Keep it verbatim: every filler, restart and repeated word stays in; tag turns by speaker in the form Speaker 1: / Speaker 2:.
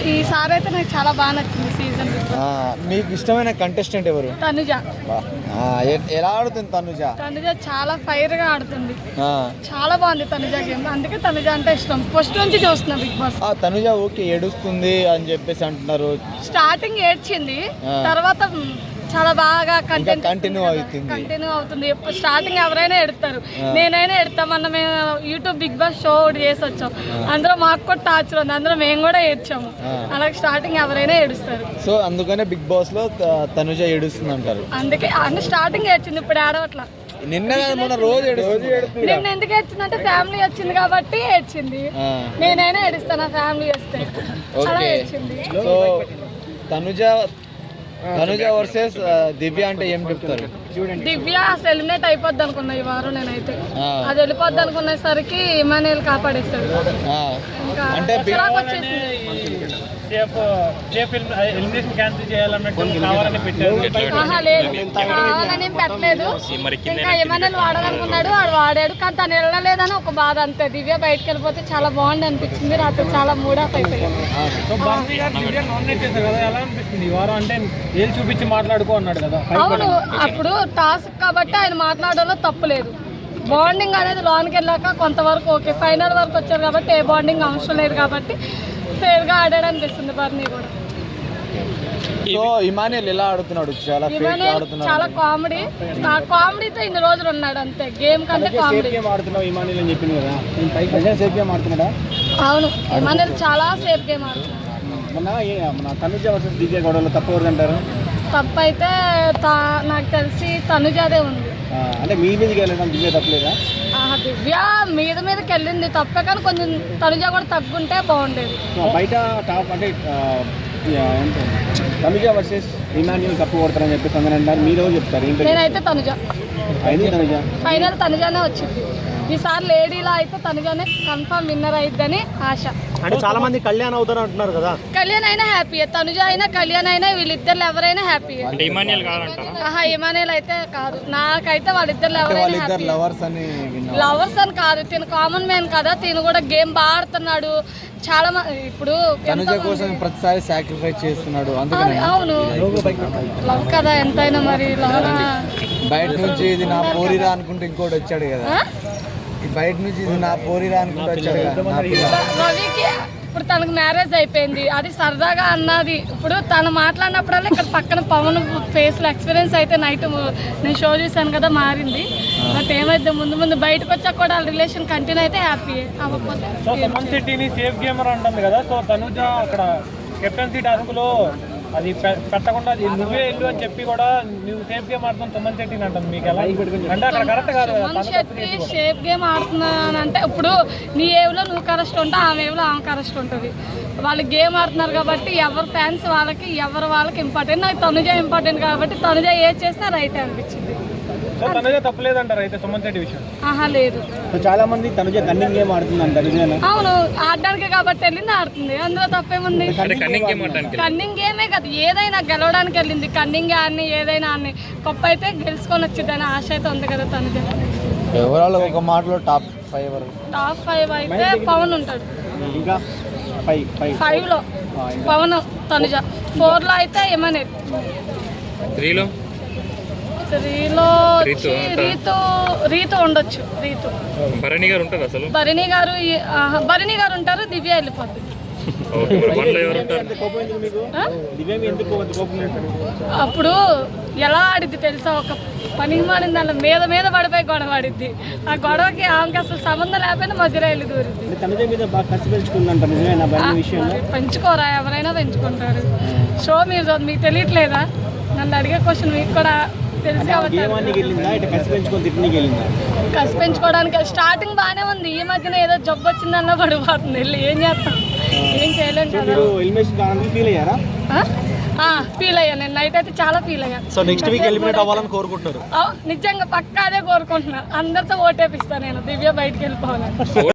Speaker 1: ఈసారి అయితే నాకు చాలా బాగా నచ్చింది సీజన్.
Speaker 2: మీకు ఇష్టమైన కంటెస్టెంట్ ఎవరు?
Speaker 1: తనుజ.
Speaker 2: ఎలా ఆడుతుంది తనుజ?
Speaker 1: తనుజ చాలా ఫైర్ గా ఆడుతుంది, చాలా బాగుంది తనుజ గేమ్. అందుకే తనుజ అంటే ఇష్టం, ఫస్ట్ నుంచి చూస్తున్నా బిగ్ బాస్.
Speaker 2: తనుజ ఓకే ఏడుస్తుంది అని చెప్పేసి అంటున్నారు.
Speaker 1: స్టార్టింగ్ ఏడ్చింది, తర్వాత చాలా బాగా కంటెంట్
Speaker 2: కంటిన్యూ అవుతుంది
Speaker 1: కంటిన్యూ అవుతుంది స్టార్టింగ్ ఎవరైనా ఎడతారు, నేనైనా ఎడతా. మొన్న మేము యూట్యూబ్ బిగ్ బాస్ షో ఒకటి చేసి వచ్చాం, అందులో మాకు కూడా టార్చర్ ఉంది, అందులో మేము కూడా ఏడ్చాము. అలాగే స్టార్టింగ్ ఎవరైనా ఏడుస్తారు.
Speaker 2: సో అందుకనే బిగ్ బాస్ లో తనుజ ఏడుస్తుంది అంటారు.
Speaker 1: అందుకే అంటే స్టార్టింగ్ ఏడ్చింది, ఇప్పుడు ఏడవట్లా.
Speaker 2: నిన్న రోజు
Speaker 1: నిన్న ఎందుకు ఏడ్చిందంటే ఫ్యామిలీ వచ్చింది కాబట్టి ఏడ్చింది. నేనైనా ఏడుస్తాను నా ఫ్యామిలీ వస్తే. అలా ఏడ్చింది.
Speaker 2: సో తనుజ తనుజ వర్సెస్ దివ్య అంటే ఏం చెప్తారు?
Speaker 1: దివ్య అసలు ఎలిమినేట్ అయిపోద్ది అనుకున్నా ఈ వారం. నేనైతే అది వెళ్ళిపోద్ది అనుకునేసరికి ఇమానుయేల్ కాపాడేస్తాడు.
Speaker 2: అంటే
Speaker 1: కావాలని పెట్టలేదు, ఇంకా ఇమానుయేల్ వాడాలనుకున్నాడు, వాడు వాడాడు. కానీ తను వెళ్ళలేదని ఒక బాధ అంతే. దివ్య బయటకు వెళ్ళిపోతే చాలా బాగుంది అనిపించింది. రాత్రి చాలా మూడ్ ఆఫ్ అయిపోయింది. అవును, అప్పుడు టాస్క్ కాబట్టి ఆయన మాట్లాడడంలో తప్పు లేదు. బాండింగ్ అనేది లోనికి వెళ్ళాక కొంతవరకు ఓకే, ఫైనల్ వరకు వచ్చారు కాబట్టి ఏ బాండింగ్ అవసరం లేదు కాబట్టి ఫేర్గా ఆడాడు అనిపిస్తుంది బర్నీ కూడా.
Speaker 2: సో ఇమానుయేల్ ఎలా ఆడుతున్నాడు? చాలా
Speaker 1: చాలా కామెడీ, ఆ కామెడీతో ఇన్ని రోజులు ఉన్నాడు అంతే. గేమ్ కంటే కామెడీ. అవును, ఇమానుయేల్ చాలా సేఫ్ గేమ్ ఆడుతున్నాడు.
Speaker 2: తప్పు
Speaker 1: తప్పు అయితే నాకు తెలిసి తనుజాదే ఉంది.
Speaker 2: అంటే మీ మీదకి వెళ్ళడం దివ్య తప్పలేదా?
Speaker 1: దివ్య మీద మీదకి వెళ్ళింది తప్పే, కానీ కొంచెం తనుజ కూడా తగ్గుంటే బాగుండేది.
Speaker 2: బయట టాప్ అంటే తనుజ వర్సెస్ ఇమాన్యుయల్ కప్పు కొడతారని చెప్పేసి అందరూ అంటారు, మీరు చెప్తారు?
Speaker 1: నేనైతే తనుజ ఫైనల్ తనుజానే వచ్చింది. ఈసారి లేడీలో అయితే తనుజానే కన్ఫర్మ్ విన్నర్ అయిద్దని ఆశ.
Speaker 2: అంటే చాలా మంది కళ్యాణ్ అవుతారు అంటున్నారు కదా.
Speaker 1: కళ్యాణ్ అయినా హ్యాపీ, తనుజ అయినా కళ్యాణ్ అయినా వీళ్ళిద్దరు ఎవరైనా హ్యాపీ. ఆహా ఇమానుయేల్ అయితే కాదు, నాకైతే వాళ్ళిద్దరు ఎవరైనా హ్యాపీ. లవర్స్ అని కాదు, తిను కామన్ మ్యాన్ కదా, తిను కూడా గేమ్ బాగా ఆడుతున్నాడు. చాలా ఇప్పుడు
Speaker 2: ప్రతిసారి సాక్రిఫైస్ చేస్తున్నాడు.
Speaker 1: అవును, లవ్ కదా ఎంతైనా. మరి
Speaker 2: బయట నుంచి ఇది నా పోరిరా అనుకుంటే ఇంకోటి వచ్చాడు కదా, బయట నుంచి ఇది నా పోరిరా అనుకుంటే వచ్చాడు కదా
Speaker 1: రవికి. ఇప్పుడు తనకు మ్యారేజ్ అయిపోయింది, అది సరదాగా అన్నది. ఇప్పుడు తను మాట్లాడినప్పుడల్లా ఇక్కడ పక్కన పవన్ ఫేస్లో ఎక్స్పీరియన్స్ అయితే నైట్ నేను షో చూసాను కదా మారింది. బట్ ఏమైతే ముందు ముందు బయటకు వచ్చాక కూడా రిలేషన్ కంటిన్యూ అయితే హ్యాపీ. అవ్వకపోతే
Speaker 3: సేఫ్ గేమర్ అంటుంది కదా, సో తనుజ అక్కడ కెప్టెన్సీ టాస్క్ లో అది పెట్టకుండా నువ్వే వెళ్ళు అని చెప్పి కూడా నువ్వు సేఫ్ గేమ్ ఆడుతాను సుమన్ శెట్టి అంటుంది. మీకు ఎలా అంటే అక్కడ కరెక్ట్ కాదు.
Speaker 1: సుమన్ శెట్టి సేఫ్ గేమ్ ఆడుతున్నానంటే ఇప్పుడు నీ ఏవ్లో నువ్వు కరెస్ట్ ఉంటావు, ఆమె ఏవ్లో ఆమె కరెస్ట్ ఉంటుంది. వాళ్ళు గేమ్ ఆడుతున్నారు కాబట్టి ఎవరి ఫ్యాన్స్ వాళ్ళకి ఎవరు వాళ్ళకి ఇంపార్టెంట్. నాకు తనుజ ఇంపార్టెంట్ కాబట్టి తనుజ ఏది చేసినా రైట్ అనిపించింది.
Speaker 3: తప్పలేదంటారు అయితే సుమన్ శెట్టి విషయం?
Speaker 1: ఆహా లేదు,
Speaker 2: చాలా మంది తనుజ కన్నింగ్ గేమ్ ఆడుతుంది అంటారు.
Speaker 1: అవును, ఆడడానికి కాబట్టి వెళ్ళింది, ఆడుతుంది. అందులో తప్పేముంది? కన్నింగ్ గేమే కదా, ఏదైనా గెలవడానికి వెళ్ళింది. కన్నింగ్ ఆడిని ఏదైనా ఆడిని గొప్ప అయితే గెలుచుకొని వచ్చింది అని ఆశ అయితే ఉంది కదా తనుజ.
Speaker 2: ఓవరాల్ ఒక మాటలో టాప్ ఫైవ్
Speaker 1: టాప్ ఫైవ్ అయితే పవన్ ఉంటాడు.
Speaker 2: ఇంకా
Speaker 1: ఫైవ్ లో పవన్, తనుజ. ఫోర్ లో అయితే ఇమానుయేల్.
Speaker 4: త్రీలో
Speaker 1: త్రీలో రీతు రీతు ఉండొచ్చు. రీతు
Speaker 4: భరణి గారు ఉంటారు. అసలు
Speaker 1: భరణి గారు భరణి గారు ఉంటారు. దివ్య వెళ్ళిపోద్ది. అప్పుడు ఎలా ఆడిద్ది తెలుసా, ఒక పని మాడిన దాని మీద మీద పడిపోయి గొడవ ఆడిద్ది. ఆ గొడవకి ఆమెకి అసలు సంబంధం లేకపోయినా మధ్యలో వెళ్ళి దూరిద్ది. పెంచుకోరా, ఎవరైనా పెంచుకుంటారు. షో మీరు మీకు తెలియట్లేదా? నన్ను అడిగే క్వశ్చన్ మీకు కూడా తెలిసి కసి పెంచుకోవడానికి స్టార్టింగ్ బాగానే ఉంది, ఈ మధ్యన ఏదో జబ్బు వచ్చిందన్న పడిపోతుంది. వెళ్ళి ఏం చేస్తాం, ఏం చేయలేం కదా. ఫీల్ అయ్యా నేను, నైట్ అయితే చాలా ఫీల్ అయ్యా.
Speaker 2: సో నెక్స్ట్ వీక్ ఎలిమినేట్ అవ్వాలని కోరుకుంటున్నారు?
Speaker 1: నిజంగా పక్కా అదే కోరుకుంటున్నా. అందరితో ఓటేపిస్తాను నేను, దివ్య బయటకు వెళ్ళిపోవాలని.